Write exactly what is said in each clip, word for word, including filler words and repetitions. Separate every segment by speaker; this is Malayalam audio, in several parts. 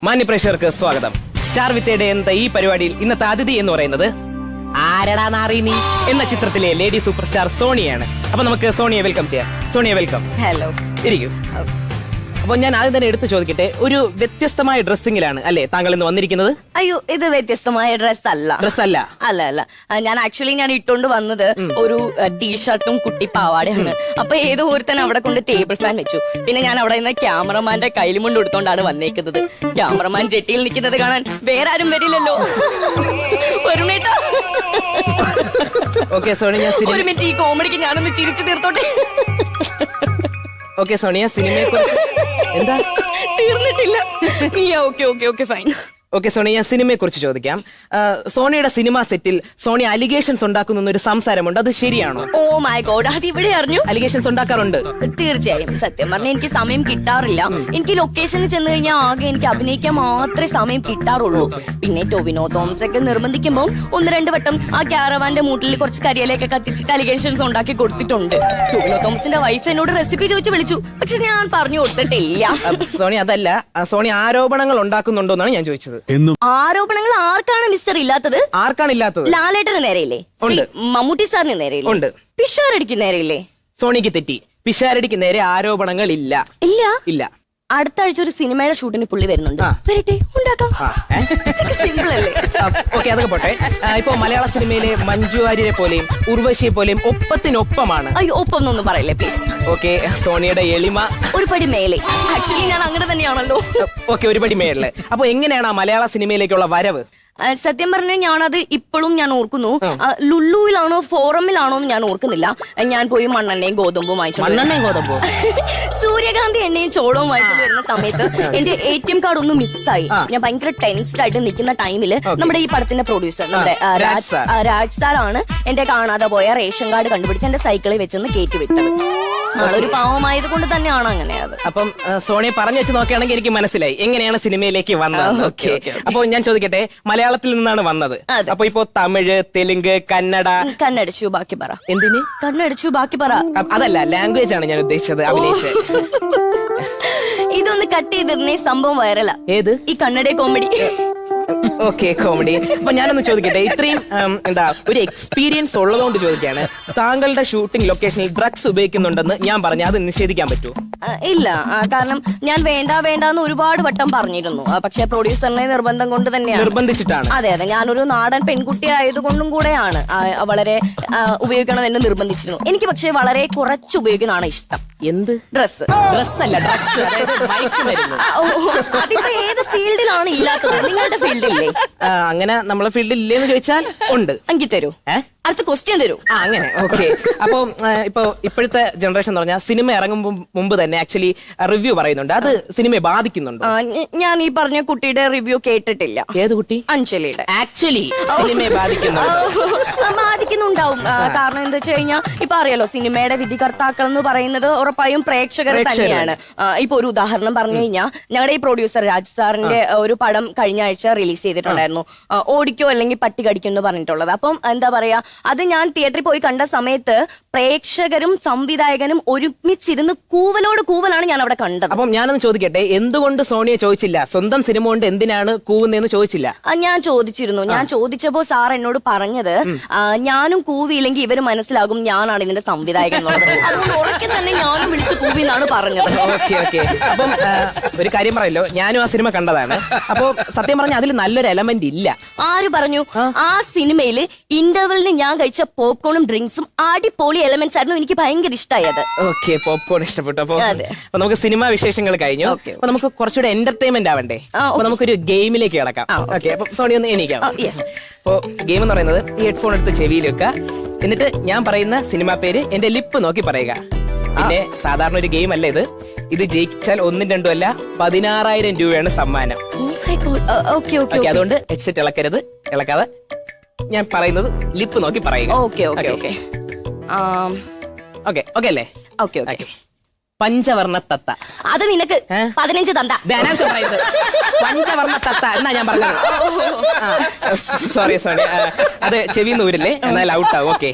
Speaker 1: മാന്യപ്രേക്ഷകർക്ക് സ്വാഗതം. സ്റ്റാർ വിത്ത് എന്ന ഈ പരിപാടിയിൽ ഇന്നത്തെ അതിഥി എന്ന് പറയുന്നത് ആരടാ നാറി നീ എന്ന ചിത്രത്തിലെ ലേഡി സൂപ്പർ സ്റ്റാർ സോണിയാണ്. അപ്പൊ നമുക്ക് സോണിയെ വെൽക്കം ചെയ്യാം. സോണിയെ വെൽക്കം.
Speaker 2: ഹലോ.
Speaker 1: ഇരിക്കൂ. അപ്പൊ ഞാൻ ആദ്യം തന്നെ എടുത്തു ചോദിക്കട്ടെ, ഒരു വ്യത്യസ്തമായ ഡ്രസ്സിംഗിലാണ് അല്ലേ താങ്കൾ ഇന്ന് വന്നിരിക്കുന്നത്?
Speaker 2: അയ്യോ, ഇത് വ്യത്യസ്തമായ ഡ്രസ് അല്ല.
Speaker 1: ഡ്രസ് അല്ല
Speaker 2: അല്ല അല്ല ഞാൻ ആക്ച്വലി ഞാൻ ഇട്ടുകൊണ്ട് വന്നത് ഒരു ടീഷർട്ടും കുട്ടി പാവാടയാണ്. അപ്പൊ ഏതോ ഒരുത്തൻ അവിടെ കൊണ്ട് ടേബിൾ ഫാൻ വെച്ചു. പിന്നെ ഞാൻ അവിടെ നിന്ന് ക്യാമറമാന്റെ കയ്യിലും കൊണ്ട് എടുത്തോണ്ടാണ് വന്നേക്കുന്നത്. ക്യാമറമാൻ ജെട്ടിയിൽ നിൽക്കുന്നത് കാണാൻ വേറെ ആരും വരില്ലല്ലോ. ഒരു മിനിറ്റ്
Speaker 1: ഓക്കെ സോണി, ഞാൻ
Speaker 2: ഒരു മിനിറ്റ് ഈ കോമഡിക്ക് ഞാനൊന്ന് ചിരിച്ചു തീർത്തോട്ടെ.
Speaker 1: ഓക്കെ സോണിയ, സിനിമയെ കുറിച്ച് എന്താ
Speaker 2: തീർന്നിട്ടില്ല? Okay okay okay fine.
Speaker 1: Okay Soni, ഞാൻ സിനിമയെ കുറിച്ച് ചോദിക്കാം. സോണിയുടെ സിനിമ സെറ്റിൽ സോണി അലിഗേഷൻസ് ഉണ്ടാക്കുന്ന ഒരു സംസാരമുണ്ട്, അത് ശരിയാണോ?
Speaker 2: ഓ മൈ ഗോഡ്, അത് ഇവിടെ അറിഞ്ഞു?
Speaker 1: അലിഗേഷൻസ് ഉണ്ടാക്കാറുണ്ട്.
Speaker 2: തീർച്ചയായും. സത്യം പറഞ്ഞാൽ എനിക്ക് സമയം കിട്ടാറില്ല. എനിക്ക് ലൊക്കേഷനിൽ ചെന്ന് കഴിഞ്ഞാൽ ആകെ എനിക്ക് അഭിനയിക്കാൻ മാത്രമേ സമയം കിട്ടാറുള്ളൂ. പിന്നെ ടൊവിനോ തോമസ് ഒക്കെ നിർബന്ധിക്കുമ്പോൾ ഒന്ന് രണ്ട് വട്ടം ആ ക്യാരവാന്റെ മൂട്ടിൽ കുറച്ച് കരിയിലൊക്കെ കത്തിച്ചിട്ട് അലിഗേഷൻസ് ഉണ്ടാക്കി കൊടുത്തിട്ടുണ്ട്. ടൊവിനോ തോമസിന്റെ വൈഫ് എന്നോട് റെസിപ്പി ചോദിച്ചു വിളിച്ചു, പക്ഷെ ഞാൻ പറഞ്ഞു കൊടുത്തിട്ടില്ല.
Speaker 1: സോണി അതല്ല, സോണി ആരോപണങ്ങൾ ഉണ്ടാക്കുന്നുണ്ടോ എന്നാണ് ഞാൻ ചോദിച്ചത്.
Speaker 2: ആരോപണങ്ങൾ ആർക്കാണ് മിസ്റ്റർ ഇല്ലാത്തത്?
Speaker 1: ആർക്കാണ് ഇല്ലാത്തത്?
Speaker 2: ലാലേട്ടന് നേരെയില്ലേ? മമ്മൂട്ടി സാറിന് നേരെയില്ലേ?
Speaker 1: ഉണ്ട്.
Speaker 2: പിഷാരടിക്ക് നേരെയില്ലേ?
Speaker 1: സോണിക്ക് തെറ്റി. പിഷാരടിക്ക് നേരെ ആരോപണങ്ങൾ ഇല്ല.
Speaker 2: ഇല്ല
Speaker 1: ഇല്ല.
Speaker 2: അടുത്ത ആഴ്ച ഒരു സിനിമയുടെ ഷൂട്ടിന് പുള്ളി വരുന്നുണ്ട്. വരട്ടെ, ഉണ്ടാക്കാം. സിമ്പിൾ അല്ലേ?
Speaker 1: ഓക്കെ, അതൊക്കെ പോട്ടെ. ഇപ്പൊ മലയാള സിനിമയിലെ മഞ്ജു വാര്യരെ പോലെയും ഉർവശിയെ പോലെയും ഒപ്പത്തിനൊപ്പമാണ്.
Speaker 2: അയ്യോ, ഒപ്പം ഒന്നും പറയല്ലേ പ്ലീസ്.
Speaker 1: ഓക്കെ, സോണിയുടെ എളിമ
Speaker 2: ഒരു പടി മേലെ. ആക്ച്വലി ഞാൻ അങ്ങനെ തന്നെയാണല്ലോ.
Speaker 1: ഓക്കെ, ഒരു പടി മേളില്. അപ്പൊ എങ്ങനെയാണ് ആ മലയാള സിനിമയിലേക്കുള്ള വരവ്?
Speaker 2: സത്യം പറഞ്ഞാൽ ഞാനത് ഇപ്പോഴും ഞാൻ ഓർക്കുന്നു. ലുല്ലുവിലാണോ ഫോറമിലാണോ എന്ന് ഞാൻ ഓർക്കുന്നില്ല. ഞാൻ പോയി മണ്ണെണ്ണയും ഗോതമ്പും വാങ്ങിച്ചു.
Speaker 1: മണ്ണെണ്ണയും ഗോതമ്പും
Speaker 2: സൂര്യകാന്തി എണ്ണയും ചോളവും വാങ്ങിച്ചു വരുന്ന സമയത്ത് എന്റെ എ ടി എം കാർഡ് ഒന്ന് മിസ്സായി. ഞാൻ ഭയങ്കര ടെൻസ്ഡ് ആയിട്ട് നിൽക്കുന്ന ടൈമില് നമ്മുടെ ഈ പടത്തിന്റെ പ്രൊഡ്യൂസർ നമ്മുടെ രാജ് സാറാണ് എന്റെ കാണാതെ പോയ റേഷൻ കാർഡ് കണ്ടുപിടിച്ച് എന്റെ സൈക്കിളിൽ വെച്ചൊന്ന് കയറ്റി വിട്ടത്. ആളൊരു പാവമായത് കൊണ്ട് തന്നെയാണ് അങ്ങനെ. അത്
Speaker 1: അപ്പം സോണിയെ പറഞ്ഞു വെച്ച് നോക്കുകയാണെങ്കിൽ എനിക്ക് മനസ്സിലായി എങ്ങനെയാണ് സിനിമയിലേക്ക് വന്നത്. ഓക്കെ, അപ്പൊ ഞാൻ ചോദിക്കട്ടെ, മലയാളത്തിൽ നിന്നാണ് വന്നത്. അപ്പൊ ഇപ്പൊ തമിഴ്, തെലുങ്ക്, കന്നഡ.
Speaker 2: കണ്ണടിച്ചു ബാക്കി പറ.
Speaker 1: എന്തിന്
Speaker 2: കണ്ണടിച്ചു ബാക്കി പറ?
Speaker 1: അതല്ല, ലാംഗ്വേജ് ആണ് ഞാൻ ഉദ്ദേശിച്ചത്. അഭിനയിച്ച്
Speaker 2: ഇതൊന്ന് കട്ട് ചെയ്തിരുന്നേ സംഭവം വൈറലാ.
Speaker 1: ഏത്?
Speaker 2: ഈ കന്നഡ കോമഡി.
Speaker 1: Okay, comedy. അപ്പൊ ഞാനൊന്ന് ചോദിക്കട്ടെ, ഇത്രയും എന്താ ഒരു എക്സ്പീരിയൻസ് ഉള്ളതുകൊണ്ട് ചോദിക്കാണ്, താങ്കളുടെ ഷൂട്ടിംഗ് ലൊക്കേഷനിൽ ഡ്രഗ്സ് ഉപയോഗിക്കുന്നുണ്ടെന്ന് ഞാൻ പറഞ്ഞ അത് നിഷേധിക്കാൻ പറ്റുമോ?
Speaker 2: ഇല്ല, കാരണം ഞാൻ വേണ്ട വേണ്ടെന്ന് ഒരുപാട് വട്ടം പറഞ്ഞിരുന്നു. പക്ഷെ പ്രൊഡ്യൂസറിനെ നിർബന്ധം കൊണ്ട് തന്നെയാണ്.
Speaker 1: നിർബന്ധിച്ചിട്ടാണ്? അതെ
Speaker 2: അതെ, ഞാനൊരു നാടൻ പെൺകുട്ടി ആയതുകൊണ്ടും കൂടെയാണ് വളരെ ഉപയോഗിക്കണം എന്നെ നിർബന്ധിച്ചിരുന്നു. എനിക്ക് പക്ഷെ വളരെ കുറച്ച് ഉപയോഗിക്കുന്നതാണ് ഇഷ്ടം.
Speaker 1: എന്ത്?
Speaker 2: ഡ്രസ്.
Speaker 1: ഡ്രസ് അല്ല, ഡ്രഗ്സ്.
Speaker 2: അതിപ്പോ ഏത് ഫീൽഡിലാണ് ഇല്ലാത്തത്? നിങ്ങളുടെ ഫീൽഡില്ലേ?
Speaker 1: അങ്ങനെ നമ്മളെ ഫീൽഡിൽ ഇല്ലേന്ന് ചോദിച്ചാൽ ഉണ്ട്.
Speaker 2: എനിക്ക് തരൂ. അടുത്ത ക്വസ്റ്റ്യൻ തരൂ.
Speaker 1: ആ, അങ്ങനെ. ഓക്കെ, അപ്പൊ ഇപ്പൊ ഇപ്പോഴത്തെ ജനറേഷൻ എന്ന് പറഞ്ഞാൽ സിനിമ ഇറങ്ങുമ്പോൾ മുമ്പ് തന്നെ ആക്ച്വലി റിവ്യൂ പറയുന്നുണ്ട്. അത് സിനിമയെ ബാധിക്കുന്നുണ്ട്?
Speaker 2: ഞാൻ ഈ പറഞ്ഞ കുട്ടിയുടെ റിവ്യൂ കേട്ടിട്ടില്ല.
Speaker 1: ഏത് കുട്ടി?
Speaker 2: അഞ്ജലിയുടെ.
Speaker 1: ആക്ച്വലി സിനിമയെ ബാധിക്കുന്നുണ്ട്.
Speaker 2: ബാധിക്കുന്നുണ്ടാവും. കാരണം എന്താ വെച്ച് കഴിഞ്ഞാൽ ഇപ്പൊ അറിയാലോ, സിനിമയുടെ വിധികർത്താക്കൾ എന്ന് പറയുന്നത് ഉറപ്പായും പ്രേക്ഷകർ തന്നെയാണ്. ഇപ്പൊ ഒരു ഉദാഹരണം പറഞ്ഞു കഴിഞ്ഞാൽ, ഞങ്ങളുടെ ഈ പ്രൊഡ്യൂസർ രാജ് സാറിന്റെ ഒരു പടം കഴിഞ്ഞ ആഴ്ച റിലീസ് ചെയ്തിട്ടുണ്ടായിരുന്നു, ഓടിക്കോ അല്ലെങ്കിൽ പട്ടി കടിക്കോ എന്ന് പറഞ്ഞിട്ടുള്ളത്. അപ്പം എന്താ പറയാ, അത് ഞാൻ തിയേറ്ററിൽ പോയി കണ്ട സമയത്ത് പ്രേക്ഷകരും സംവിധായകനും ഒരുമിച്ചിരുന്ന് കൂവലോട് കൂവലാണ് ഞാൻ അവിടെ കണ്ടത്.
Speaker 1: അപ്പം ഞാനൊന്ന് ചോദിക്കട്ടെ, എന്തുകൊണ്ട് സോണിയെ ചോദിച്ചില്ല? സ്വന്തം സിനിമ കൊണ്ട് എന്തിനാണ് കൂവുന്നതെന്ന് ചോദിച്ചില്ല?
Speaker 2: ഞാൻ ചോദിച്ചിരുന്നു. ഞാൻ ചോദിച്ചപ്പോ സാർ എന്നോട് പറഞ്ഞത്, ഞാനും കൂവിയില്ലെങ്കിൽ ഇവര് മനസ്സിലാകും ഞാനാണ് ഇതിന്റെ സംവിധായകൻ എന്നുള്ളത്. അതുകൊണ്ട് ഉറക്കെ തന്നെ ഞാനും വിളിച്ച് കൂവി എന്നാണ് പറഞ്ഞത്.
Speaker 1: ഓക്കെ ഓക്കെ അപ്പം ഒരു കാര്യം പറയല്ലോ, ഞാനും ആ സിനിമ കണ്ടതാണ്. അപ്പൊ സത്യം പറഞ്ഞാൽ അതിൽ നല്ലൊരു എലമെന്റ് ഇല്ല. ആര്
Speaker 2: പറഞ്ഞു? ആ സിനിമയിൽ ഇന്റർവെലിന് ഞാൻ കഴിച്ച പോപ്കോണും ഡ്രിങ്ക്സും അടിപൊളി എലമെന്റ്സ് ആയിരുന്നു. എനിക്ക് ഭയങ്കര ഇഷ്ടമായത്.
Speaker 1: ഓക്കെ, പോപ്കോൺ ഇഷ്ടപ്പെട്ടു. അപ്പൊ നമുക്ക് സിനിമാ വിശേഷങ്ങൾ കഴിഞ്ഞു. അപ്പൊ നമുക്ക് കുറച്ചുകൂടെ എന്റർടൈൻമെന്റ് ആവണ്ടേ? അപ്പൊ നമുക്കൊരു ഗെയിമിലേക്ക് കിടക്കാം. ഓക്കെ, അപ്പൊ സോണി ഒന്ന് എണീക്കാം. അപ്പൊ ഗെയിം എന്ന് പറയുന്നത്, ഈ ഹെഡ്ഫോൺ എടുത്ത് ചെവിയിൽ വെക്കുക, എന്നിട്ട് ഞാൻ പറയുന്ന സിനിമാ പേര് എന്റെ ലിപ്പ് നോക്കി പറയുക. പിന്നെ സാധാരണ ഒരു ഗെയിം അല്ല ഇത്. ഇത് ജയിച്ചാൽ ഒന്നും രണ്ടും അല്ല, പതിനാറായിരം രൂപയാണ് സമ്മാനം. അതുകൊണ്ട് ഹെഡ്സെറ്റ് ഇളക്കരുത്. ഇളക്കാതെ ഞാൻ പറയുന്നത് ലിപ്പ് നോക്കി പറയുക.
Speaker 2: Okay okay okay
Speaker 1: okay okay അല്ലേ?
Speaker 2: Okay okay.
Speaker 1: പഞ്ചവർണ്ണ തത്ത.
Speaker 2: അത് നിനക്ക് പതിനഞ്ച് തന്ത.
Speaker 1: പഞ്ചവർണ്ണ തത്ത എന്നാ ഞാൻ പറഞ്ഞത്. സോറി സോറി, അത് ചെവി നൂരില്ലേ, എന്നാൽ ഔട്ട് ആവും. ഓക്കെ,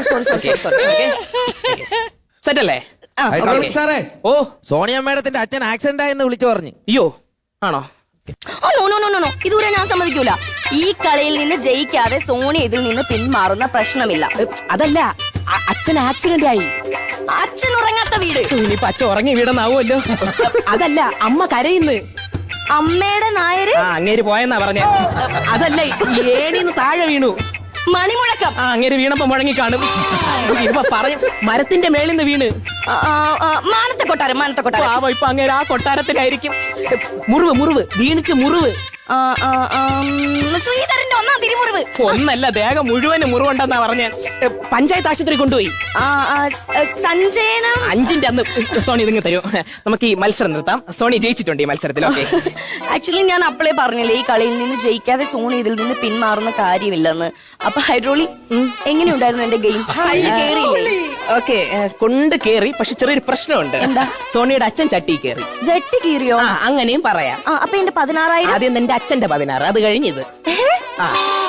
Speaker 1: സെറ്റ് അല്ലേ?
Speaker 3: സാറേ,
Speaker 1: ഓ
Speaker 3: സോണിയ മേഡത്തിന്റെ അച്ഛൻ ആക്സിഡന്റ് ആയെന്ന് വിളിച്ചു പറഞ്ഞു.
Speaker 1: അയ്യോ, ആണോ?
Speaker 2: Oh no no no no ഇതുവരെ ഞാൻ സമ്മതിക്കൂല. ഈ കളിയിൽ നിന്ന് ജയിക്കാതെ സോണി ഇതിൽ നിന്ന് പിന്മാറുന്ന പ്രശ്നമില്ല.
Speaker 1: അതല്ല, അ- അച്ഛൻ ആക്സിഡന്റ് ആയി.
Speaker 2: അച്ഛൻ ഉറങ്ങാത്ത വീട്.
Speaker 1: ഇനിയിപ്പൊ അച്ഛൻ ഉറങ്ങി വീടെന്നാവുമല്ലോ. അതല്ല, അമ്മ കരയുന്നു.
Speaker 2: അമ്മയുടെ നായര്
Speaker 1: ആ അങ്ങേര് പോയെന്നാ പറഞ്ഞ. അതല്ല, ഏണിന്ന് താഴെ വീണു.
Speaker 2: മണിമുഴക്കം.
Speaker 1: ആ അങ്ങേര് വീണപ്പോ മുഴങ്ങി കാണും. ഇപ്പൊ പറഞ്ഞു മരത്തിന്റെ മേളിൽ നിന്ന് വീണ്.
Speaker 2: ആ, ആ, ആ, മാനത്തെ കൊട്ടാരം മാനത്തെ കൊട്ടാരം.
Speaker 1: പാവം ഇപ്പൊ അങ്ങേര് ആ കൊട്ടാരത്തിലായിരിക്കും. മുറിവ് മുറിവ് വീണിട്ട് മുറിവ്.
Speaker 2: ആ, ആ, ആ, ഉം, ശ്രീധരന്റെ ഒന്നാം തിരുമുറിവ്.
Speaker 1: ഒന്നല്ല, ദേഹം മുഴുവന് മുറിവുണ്ടെന്നാ പറഞ്ഞ. പഞ്ചായത്ത് ആശുപത്രി കൊണ്ടുപോയി.
Speaker 2: ആ, ആ, സഞ്ജയനം.
Speaker 1: അഞ്ചിന്റെ അന്ന് സോണി ഇതിങ്ങ് തരൂ. നമുക്ക് ഈ മത്സരം നിർത്താം. സോണി ജയിച്ചിട്ടുണ്ട് ഈ മത്സരത്തിൽ. ഓക്കെ.
Speaker 2: ആക്ച്വലി ഞാൻ അപ്പളേ പറഞ്ഞില്ലേ ഈ കളിയിൽ നിന്ന് ജയിക്കാതെ സോണി ഇതിൽ നിന്ന് പിന്മാറുന്ന കാര്യമില്ലെന്ന്. അപ്പൊ ഹൈഡ്രോളി എങ്ങനെയുണ്ടായിരുന്നു എന്റെ ഗെയിം? കേറിയില്ലേ?
Speaker 1: ഓക്കെ, കൊണ്ട് കേറി. പക്ഷെ ചെറിയൊരു പ്രശ്നമുണ്ട്.
Speaker 2: എന്താ?
Speaker 1: സോണിയുടെ അച്ഛൻ ചട്ടി കേറി.
Speaker 2: ജട്ടി കീറിയോ?
Speaker 1: ആ അങ്ങനെയും പറയാം.
Speaker 2: ആ, അപ്പൊ എന്റെ പതിനാറായിരം
Speaker 1: ആദ്യം എന്റെ അച്ഛന്റെ പതിനാറ്, അത് കഴിഞ്ഞത്. ആ